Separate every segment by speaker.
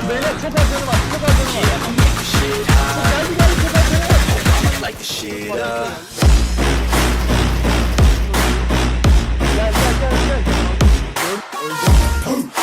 Speaker 1: Beyler çok az canı var. Çok az canı var. Geldi geldi çok az canı var. Gel gel gel gel. Öldüm.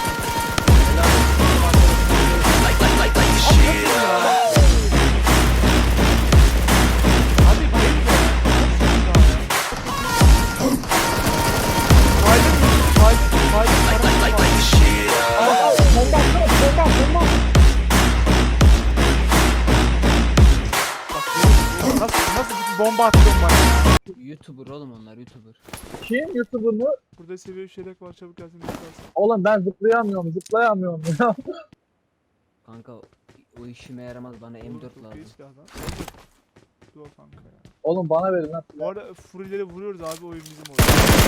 Speaker 1: Abi bayıl ya. Nasıl bir bomba atıyorsun bana ya?
Speaker 2: YouTuber oğlum onlar YouTuber.
Speaker 1: Kim? YouTuber mı?
Speaker 3: Burada seviye şeyler var, çabuk gelsin istersen.
Speaker 1: Oğlum ben zıplayamıyorum ya.
Speaker 2: Kanka o işime yaramaz bana M4
Speaker 3: Çok iyi
Speaker 2: lazım.
Speaker 3: silah lan. Dur kanka ya.
Speaker 1: Oğlum bana verin lan.
Speaker 3: Bu arada furileri vuruyoruz abi, oyun bizim oyun.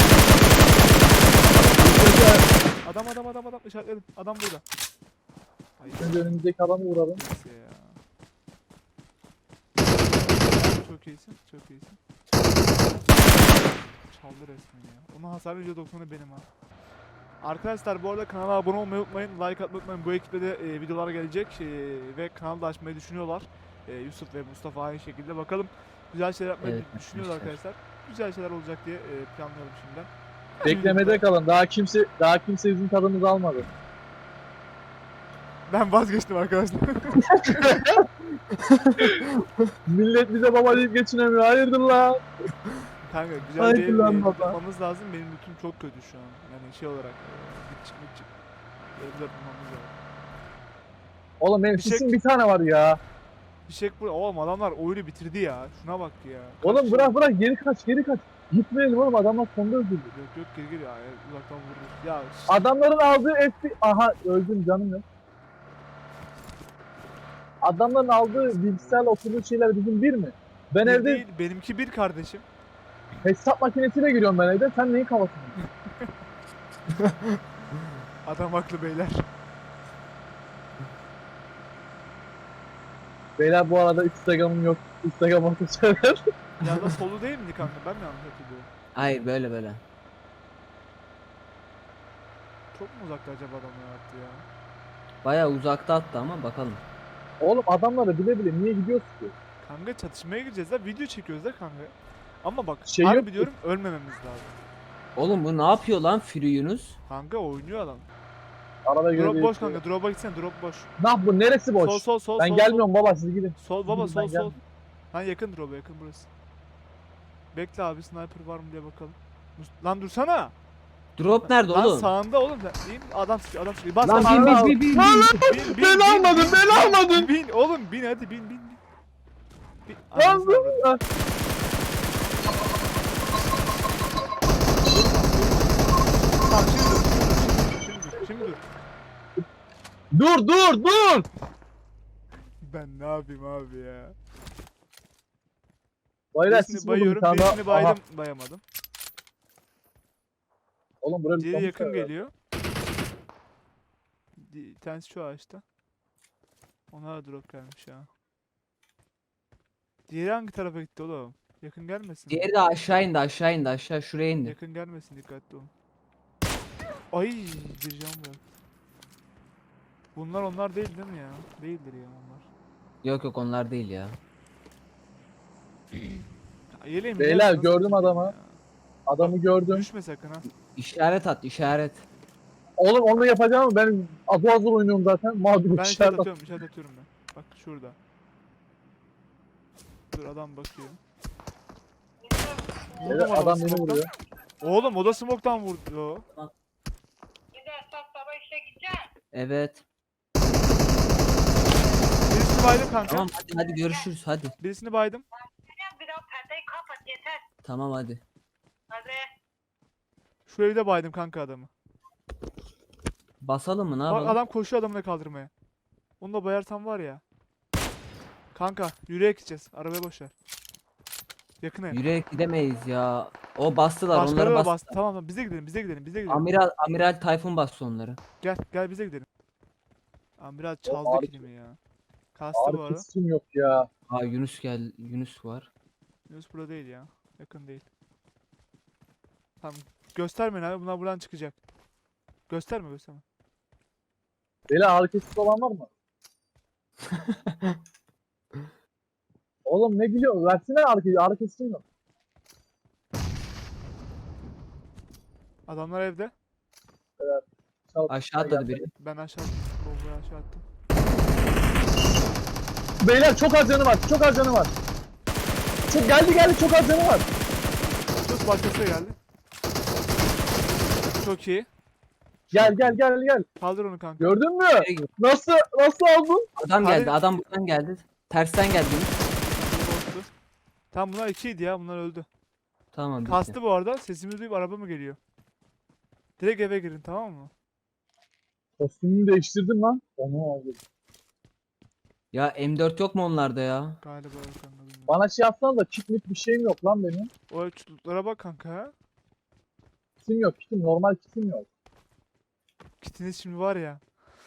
Speaker 3: Adam işaretledim. Adam burada. Ay
Speaker 1: Önce önümüzdeki adamı vuralım.
Speaker 3: neyse ya. Çok iyisin, çok iyisin. Çaldı resmen ya. Onun hasarı %90'ı benim ha. Arkadaşlar bu arada kanala abone olmayı unutmayın, like atmayı unutmayın. Bu ekiple de videolar gelecek ve kanalı da açmayı düşünüyorlar. Yusuf ve Mustafa aynı şekilde. Bakalım güzel şeyler yapmayı
Speaker 2: Evet,
Speaker 3: düşünüyorlar
Speaker 2: arkadaşlar.
Speaker 3: arkadaşlar. Güzel şeyler olacak diye planlıyorum şimdiden.
Speaker 1: Beklemede kalın. Daha kimse bizim tadımızı almadı.
Speaker 3: Ben vazgeçtim arkadaşlar.
Speaker 1: Millet bize baba deyip geçinemiyor. Hayırdır lan?
Speaker 3: Kanka güzel
Speaker 1: Haydi
Speaker 3: bir
Speaker 1: lan baba.
Speaker 3: yapmamız lazım. Benim lootum çok kötü şu an. Yani şey olarak gitçik. Evde bulmamız lazım.
Speaker 1: Oğlum benim
Speaker 3: Bir şey-
Speaker 1: sisin bir tane var ya.
Speaker 3: Bir şey bu. Oğlum adamlar oyunu bitirdi ya. Şuna bak ya.
Speaker 1: Oğlum
Speaker 3: Kaç
Speaker 1: bırak geri kaç. Gitmeyelim oğlum, adamlar sonunda öldürdü.
Speaker 3: Yok geri ya. Uzaktan vururuz. Ya
Speaker 1: Adamların aldığı FP... Aha öldüm canım ya. Adamların aldığı bilgisayarla oturduğu şeyler bizim bir mi? Ben
Speaker 3: bir
Speaker 1: evde
Speaker 3: değil, benimki bir kardeşim.
Speaker 1: hesap makinesiyle giriyorum ben evde. Sen neyin kafasını?
Speaker 3: Adam haklı beyler.
Speaker 1: Beyler bu arada Instagram'ım yok. Instagram atacağım.
Speaker 3: Ya da solu değil mi kanka? Ben mi yanlış hatırlıyorum?
Speaker 2: Hayır böyle.
Speaker 3: Çok mu uzakta acaba adamlar attı ya?
Speaker 2: Baya uzakta attı ama bakalım.
Speaker 1: Oğlum adamları bile bile niye gidiyorsun ki?
Speaker 3: Kanka çatışmaya gireceğiz da video çekiyoruz da kanka. Ama bak
Speaker 1: Şey
Speaker 3: harbi
Speaker 1: yok ki.
Speaker 3: diyorum, ölmememiz lazım.
Speaker 2: Oğlum bu ne yapıyor lan Fury Yunus?
Speaker 3: Kanka oynuyor adam.
Speaker 1: Arada göre
Speaker 3: Drop boş
Speaker 1: değişiyor.
Speaker 3: kanka, drop'a gitsene, drop boş.
Speaker 1: Ne yap bu? Neresi boş?
Speaker 3: Sol.
Speaker 1: Ben gelmiyorum baba, siz gidin.
Speaker 3: Sol baba,
Speaker 1: Ben
Speaker 3: sol.
Speaker 1: gelmiyorum.
Speaker 3: Lan yakın drop'a, yakın burası. Bekle abi, sniper var mı diye bakalım. Lan dursana.
Speaker 2: Drop nerede
Speaker 3: Lan
Speaker 2: oğlum?
Speaker 3: sağında oğlum. Değil mi? Adam sıkıyor. Bas
Speaker 2: Lan
Speaker 3: bas.
Speaker 2: bin.
Speaker 3: Bin,
Speaker 1: Ben almadım, ben almadım.
Speaker 3: Bin oğlum, bin hadi bin. Bin.
Speaker 1: Lan
Speaker 3: Anasını avradım.
Speaker 1: lan.
Speaker 3: Tamam şimdi dur.
Speaker 1: Dur.
Speaker 3: Ben ne yapayım abi ya?
Speaker 1: Baylar
Speaker 3: Birisini
Speaker 1: siz buldum bir
Speaker 3: bayıyorum,
Speaker 1: tane daha.
Speaker 3: birisini
Speaker 1: Aha.
Speaker 3: baydım, bayamadım.
Speaker 1: Oğlum buraya
Speaker 3: Diğeri
Speaker 1: bir
Speaker 3: yakın
Speaker 1: tane
Speaker 3: geliyor. Bir tanesi şu ağaçta. Ona da drop gelmiş ya. Diğeri hangi tarafa gitti oğlum? Yakın gelmesin.
Speaker 2: Diğeri de aşağı indi aşağı şuraya indi.
Speaker 3: Yakın gelmesin, dikkatli olun. Ay bir can bırak. Bunlar onlar değil mi ya? Değildir ya onlar.
Speaker 2: Yok onlar değil ya.
Speaker 3: Ya, yeleğimi
Speaker 1: Beyler,
Speaker 3: yarısını
Speaker 1: gördüm
Speaker 3: satayım
Speaker 1: adamı.
Speaker 3: ya.
Speaker 1: Adamı gördüm.
Speaker 3: Düşme sakın ha.
Speaker 2: İşaret at işaret.
Speaker 1: Oğlum onu yapacağım ama ben adı hazır oynuyorum zaten. Mağdur
Speaker 3: Ben
Speaker 1: işaret
Speaker 3: işaret atıyorum ben. Bak şurada. Dur adam bakıyor.
Speaker 1: Evet,
Speaker 3: Vurdum adamı
Speaker 1: adam beni
Speaker 3: smoke'tan.
Speaker 1: vuruyor.
Speaker 3: Oğlum o da smoke'tan vurdu.
Speaker 4: Güzel sabah işe gideceksin.
Speaker 2: Evet.
Speaker 3: Birisini baydım kanka.
Speaker 2: Tamam hadi görüşürüz hadi.
Speaker 3: Birisini baydım.
Speaker 4: Bir daha perdeyi kapat yeter.
Speaker 2: Tamam hadi.
Speaker 4: Hadi.
Speaker 3: Şu evde baydım kanka adamı.
Speaker 2: Basalım mı ne
Speaker 3: Bak
Speaker 2: yapalım?
Speaker 3: adam koşuyor adamını kaldırmaya. Onu da bayarsam var ya. Kanka yürüyerek gideceğiz. Arabaya boşver. Yakına.
Speaker 2: Yürüyerek gidemeyiz ya. O bastılar
Speaker 3: Başkaları
Speaker 2: onları
Speaker 3: da
Speaker 2: bastı.
Speaker 3: bastı. Tamam bize gidelim.
Speaker 2: Amiral Tayfun bastı onları.
Speaker 3: Gel bize gidelim. Amiral çaldı
Speaker 1: ağrı-
Speaker 3: kilimi ya. Kastı bu
Speaker 1: Ağrı
Speaker 3: arada.
Speaker 1: kesim yok ya.
Speaker 2: Aa Yunus var.
Speaker 3: Yunus burada değil ya. Yakın değil. Tamam. Göstermeyin abi. Bunlar buradan çıkacak. Gösterme.
Speaker 5: Beyler ağrı kesici olan var mı? Oğlum ne gülüyorsun? Versene ağrı kesici. Ağrı kesici mi?
Speaker 3: Adamlar evde.
Speaker 5: Çal-
Speaker 2: Aşağı atladı biri.
Speaker 3: Ben aşağı attım. Bombayı aşağı attım.
Speaker 5: Beyler çok az canı var. Çok az canı var. Çok geldi çok az canı var.
Speaker 3: Sus başkası da geldi. Çok iyi.
Speaker 5: Gel.
Speaker 3: Kaldır onu kanka.
Speaker 5: Gördün mü?
Speaker 2: Nereye gidiyor?
Speaker 5: Nasıl aldın?
Speaker 2: Adam
Speaker 3: Hadi.
Speaker 2: geldi. Adam buradan geldi. Tersten geldi.
Speaker 3: Bottu. Tamam bunlar 2'ydi ya. Bunlar öldü.
Speaker 2: Tamam bitti.
Speaker 3: Kastı bu arada. Sesimi duyup araba mı geliyor? Direkt eve girin tamam mı?
Speaker 5: Kostümünü değiştirdim lan. Onu aldım.
Speaker 2: Ya M4 yok mu onlarda ya?
Speaker 3: Galiba yok kanka bilmiyorum.
Speaker 5: Bana şey yapsana da kitlik bir şeyim yok lan benim.
Speaker 3: O ölçütlere bak kanka ha.
Speaker 5: Kitim yok. Normal kitim yok.
Speaker 3: Kitiniz şimdi var ya.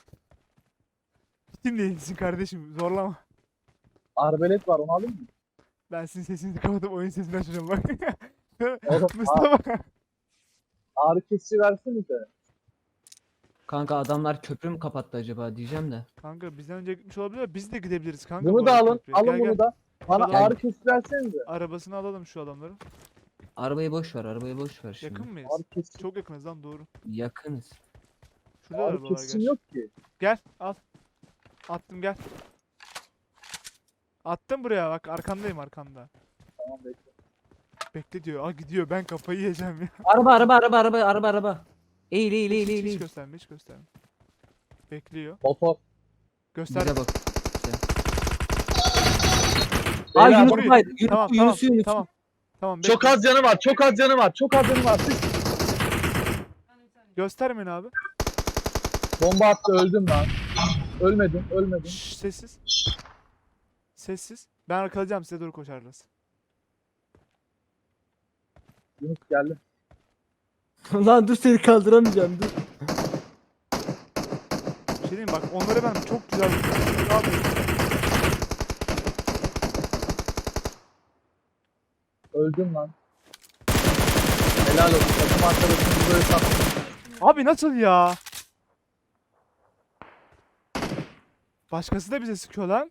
Speaker 3: Kitin değilsin kardeşim zorlama.
Speaker 5: Arbelet var onu alayım mı?
Speaker 3: Ben sizin sesinizi kapatıp oyun sesini açacağım bak.
Speaker 5: Oğlum
Speaker 3: Mustafa.
Speaker 5: ağrı kesici versenize.
Speaker 2: Kanka adamlar köprü mü kapattı acaba diyeceğim de.
Speaker 3: Kanka bizden önce gitmiş olabilir. Biz de gidebiliriz kanka.
Speaker 5: Bunu
Speaker 3: bu
Speaker 5: da
Speaker 3: arada
Speaker 5: alın.
Speaker 3: köprüye.
Speaker 5: Alın
Speaker 3: Gel,
Speaker 5: bunu
Speaker 3: gel.
Speaker 5: da. Bana
Speaker 3: Şuradan-
Speaker 5: ağrı kesici versenize.
Speaker 3: Arabasını alalım şu adamları.
Speaker 2: Arabayı boş ver, arabayı boş ver şimdi.
Speaker 3: Yakın mıyız?
Speaker 5: Ağrı kesici,
Speaker 3: Çok yakınız lan doğru.
Speaker 2: Yakınız.
Speaker 3: Şurada
Speaker 5: ağrı
Speaker 3: arabalar
Speaker 5: kesicim
Speaker 3: gel.
Speaker 5: yok ki.
Speaker 3: Gel al. Attım gel. Attım buraya bak arkandayım arkanda.
Speaker 5: Tamam bekle.
Speaker 3: Bekle diyor. Aa gidiyor ben kafayı yiyeceğim ya.
Speaker 2: Araba. Eğil.
Speaker 3: Hiç gösterme hiç gösterme. Bekliyor.
Speaker 5: Motor.
Speaker 3: Göster.
Speaker 2: Bize bak.
Speaker 5: Beyler,
Speaker 2: Aa Yunus
Speaker 3: burayı-
Speaker 2: var.
Speaker 3: Tamam
Speaker 2: Yunus.
Speaker 3: tamam. Tamam
Speaker 5: Çok
Speaker 3: bekle.
Speaker 5: az canı var. Çok az canı var. Sık.
Speaker 3: Göstermeyin abi.
Speaker 5: Bomba attı öldüm lan. Ölmedim.
Speaker 3: Şşş sessiz. Sessiz. Ben arkalayacağım size doğru koşarız.
Speaker 5: Yunus geldi.
Speaker 2: Lan dur seni kaldıramayacağım dur.
Speaker 3: Bir şey diyeyim mi? Bak onları ben çok güzel Abi,
Speaker 5: Öldüm lan. Helal olsun. Takım arkadaşımız böyle sattı.
Speaker 3: abi nasıl ya? Başkası da bize sıkıyor lan.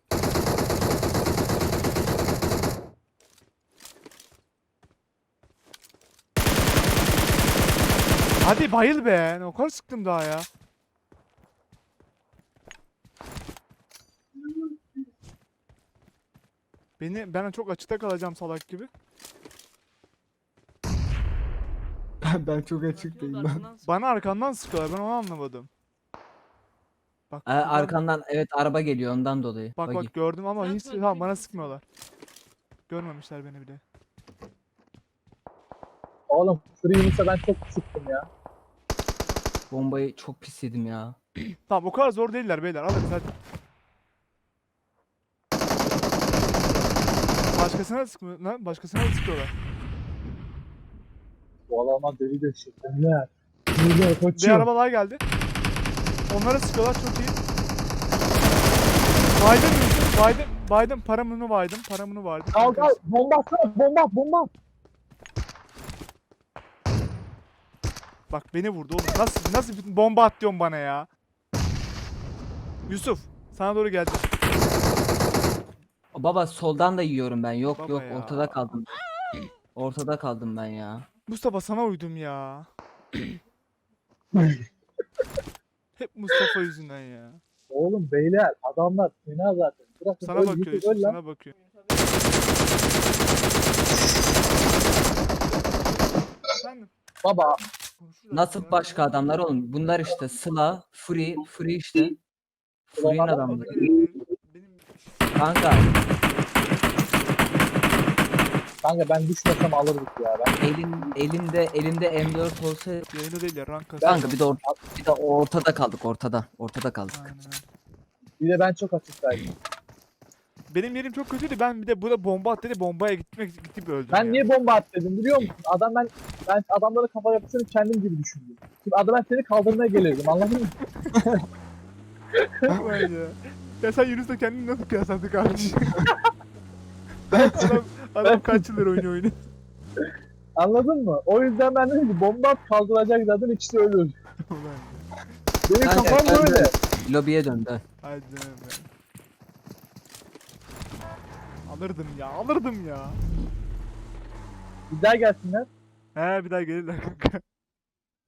Speaker 3: Hadi bayıl be. Ne kadar sıktım daha ya. Ben çok açıkta kalacağım salak gibi.
Speaker 2: Ben çok açıktayım ben.
Speaker 3: Bana arkandan sıkıyorlar. Ben onu anlamadım. Bak, buradan-
Speaker 2: Arkandan evet araba geliyor ondan dolayı.
Speaker 3: bak
Speaker 2: Buggy.
Speaker 3: bak gördüm ama
Speaker 1: Sen
Speaker 3: hiç
Speaker 1: söyle,
Speaker 3: tamam
Speaker 1: tek
Speaker 3: bana
Speaker 1: misin?
Speaker 3: sıkmıyorlar. Görmemişler beni bile.
Speaker 5: Oğlum Free Yunus'a ben çok sıktım ya.
Speaker 2: Bombayı çok pis yedim ya.
Speaker 3: Tamam o kadar zor değiller beyler. Alırız hadi. Başkasına sıkmıyor lan. Başkasına da sıkıyorlar.
Speaker 5: Bu adamlar deli de şey. Beyler. Beyler
Speaker 3: Bir
Speaker 5: kaçıyor.
Speaker 3: araba daha geldi. Onlara sıkıyorlar çok iyi. Biden paramını baydım.
Speaker 5: Al. Bomba atsana. Bomba.
Speaker 3: Bak beni vurdu oğlum. Nasıl bir bomba at diyorsun bana ya. Yusuf sana doğru geldi.
Speaker 2: Baba soldan da yiyorum ben. Yok
Speaker 3: Baba
Speaker 2: yok
Speaker 3: ya.
Speaker 2: ortada kaldım. Ortada kaldım ben ya.
Speaker 3: Mustafa sana uydum ya. Hep Mustafa yüzünden ya.
Speaker 5: Oğlum beyler adamlar fena zaten. Bırakın
Speaker 3: Sana
Speaker 5: öl,
Speaker 3: bakıyor
Speaker 5: Yusuf,
Speaker 3: Yusuf
Speaker 5: öl lan.
Speaker 3: sana bakıyor. Efendim?
Speaker 5: Baba
Speaker 3: Konuşuruz
Speaker 2: Nasıl
Speaker 3: ya.
Speaker 2: başka adamlar oğlum? Bunlar işte Sıla, Free işte. Free'nin
Speaker 3: O da
Speaker 2: adamları.
Speaker 3: gelebilir. Benim
Speaker 2: Kanka
Speaker 5: kanka ben düşmesem alırdık ya ben.
Speaker 2: elimde M4 olsa
Speaker 3: yayını değil ya rank kasıyor.
Speaker 2: kanka bir de ortada kaldık ortada. Ortada kaldık.
Speaker 3: Aynen öyle.
Speaker 5: Bir de ben çok açıktaydım.
Speaker 3: Benim yerim çok kötüydü. Ben bir de burada bomba at dedi. Bombaya gidip öldüm
Speaker 5: Ben
Speaker 3: ya.
Speaker 5: niye bomba at dedim biliyor musun? Ben adamlara kafa yapısını kendim gibi düşündüm. Şimdi ben seni kaldırmaya gelirdim anladın mı?
Speaker 3: Vay ya. Ya sen Yunus'la kendini nasıl kıyasladın kardeşim? adam kaç yıldır oynuyor.
Speaker 5: Anladın mı? O yüzden ben dedim ki bomba at kaldıracak zaten ikisi ölür.
Speaker 3: Ulan ya.
Speaker 5: Benim
Speaker 2: Kanka,
Speaker 5: kafam
Speaker 2: ben de-
Speaker 5: böyle.
Speaker 2: Lobiye döndü.
Speaker 3: Haydi canım benim. Alırdım ya, alırdım ya.
Speaker 5: Bir daha gelsinler.
Speaker 3: He bir daha gelirler kanka.